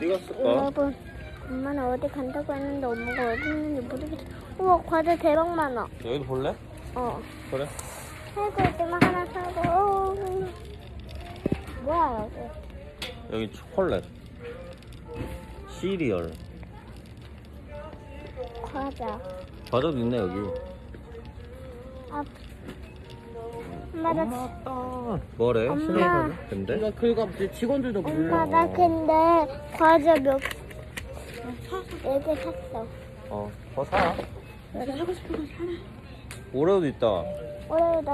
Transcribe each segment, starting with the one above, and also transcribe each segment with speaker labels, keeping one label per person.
Speaker 1: 어디 갔을까?
Speaker 2: 여러분, 엄마는 어디 간다고 했는데 엄마가 어디 있는지 모르겠어. 우와, 과자 대박 많아.
Speaker 1: 여기도 볼래? 그래.
Speaker 2: 살고 있지만 하나 사고. 뭐야, 여기?
Speaker 1: 여기 초콜릿, 시리얼, 과자도 있네 여기.
Speaker 2: 아, 엄마, 나,
Speaker 1: 엄마 뭐래?
Speaker 2: 엄마.
Speaker 1: 신호등? 근데?
Speaker 3: 이거 긁어 직원들도 몰라.
Speaker 2: 엄마, 나 근데 과자 몇 개 샀어.
Speaker 1: 더 사.
Speaker 3: 내가 하고 싶은 거 사네.
Speaker 1: 오레오도 있다.
Speaker 2: 오래다.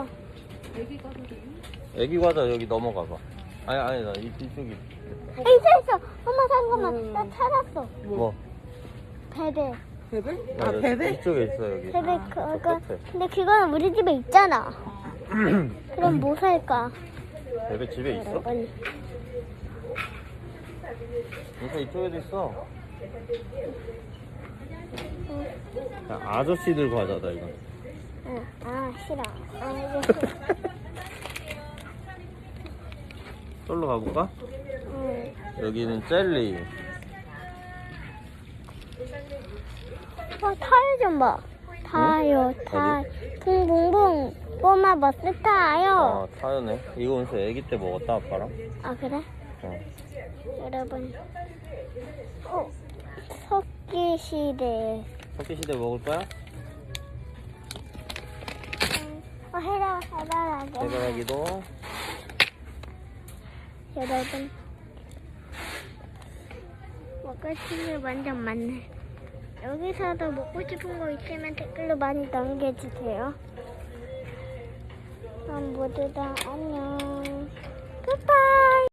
Speaker 1: 애기 과자 여기 넘어가봐. 아니다 이쪽이.
Speaker 2: 있어. 엄마 잠깐만. 나 찾았어.
Speaker 1: 뭐?
Speaker 2: 베베.
Speaker 3: 베베?
Speaker 1: 맞아,
Speaker 3: 아 베베?
Speaker 1: 이쪽에 있어 여기.
Speaker 2: 베베 그거.
Speaker 1: 끝에.
Speaker 2: 근데 그거는 우리 집에 있잖아. 그럼 뭐 살까?
Speaker 1: 베베 집에 있어?
Speaker 2: 여러분.
Speaker 1: 인사 이쪽에도 있어. 야, 아저씨들 과자다 이거.
Speaker 2: 응. 아 싫어. 아 이거 싫어.
Speaker 1: 솔로 가볼까?
Speaker 2: 응.
Speaker 1: 여기는 젤리.
Speaker 2: 타요 좀 봐. 타요. 타. 붕붕붕. 꼬마 버스 타요.
Speaker 1: 타요네. 이거 은서 애기 때 먹었다 아빠랑.
Speaker 2: 아 그래?
Speaker 1: 어.
Speaker 2: 여러분. 석기시대.
Speaker 1: 석기시대 먹을 거야?
Speaker 2: 해바라기.
Speaker 1: 해바라기도.
Speaker 2: 여러분. 먹을 게 완전 많네. 여기서도 먹고 싶은 거 있으면 댓글로 많이 남겨주세요. 그럼 모두 다 안녕. 굿바이.